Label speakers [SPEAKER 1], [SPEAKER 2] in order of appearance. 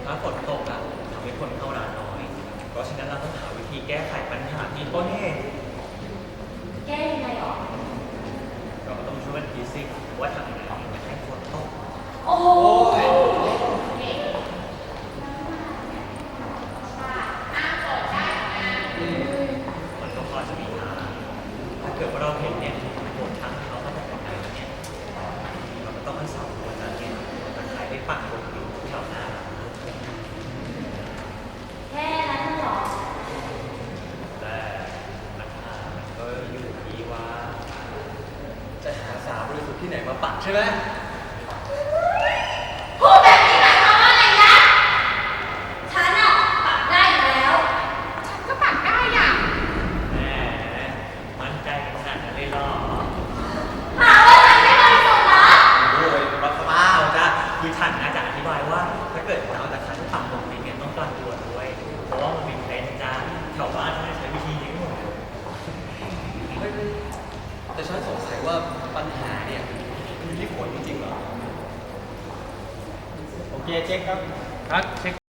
[SPEAKER 1] ถ้าฝนตกอะทำให้คนเข้าร้านน้อย เพราะฉะนั้นเราต้องหาวิธีแก้ไขปัญหาที่ต้นเหตุ
[SPEAKER 2] แก้ยังไงหรอ
[SPEAKER 1] เราก็ต้องช่วยกันคิดสิว่าทำยังไงไม่ให้ฝนตก
[SPEAKER 2] โอ้โห
[SPEAKER 1] มันก็พอจะมีทางถ้าเกิดว่าเราเห็นเนี่ยฝนทางเขามาจากไหนเนี่ยเราก็ต้องให้สองคนนั้นเนี่ยมันขายได้ปักบนผิวแถวหน้า
[SPEAKER 2] แค่นั้นเหรอ
[SPEAKER 1] แต่ปัญหามันก็อยู่ที่ว่า
[SPEAKER 3] จะหาสาวบริสุทธิ์ที่ไหนมาปักใช่ไหม
[SPEAKER 2] พูดแบบนี้หมายความว่าอะไรนะฉันอะปักได้อยู่แล้วฉันก็ปักได้อ่ะ
[SPEAKER 1] แหมมั่นใจขนาดนั้นเลยเหรอ
[SPEAKER 2] หาว่าฉันไม่บริสุทธิ์เหรอ
[SPEAKER 1] โอ้ยบ้าบ้าจ้ะคือฉันนะจะอธิบายว่าถ้าเกิดเราแต่ฉันปักลงไปเนี่ยต้องการตัวด้วยเพราะว่ามันเป็นเทรนด์จ้าแถวบ้านฉันใช้วิธีนี้หมด
[SPEAKER 3] แต่ฉันสงสัยว่าปัญหาเนี่ยอยู่ที่ฝนจริงๆเหรอ
[SPEAKER 1] โอเคเช็คครับเช็ค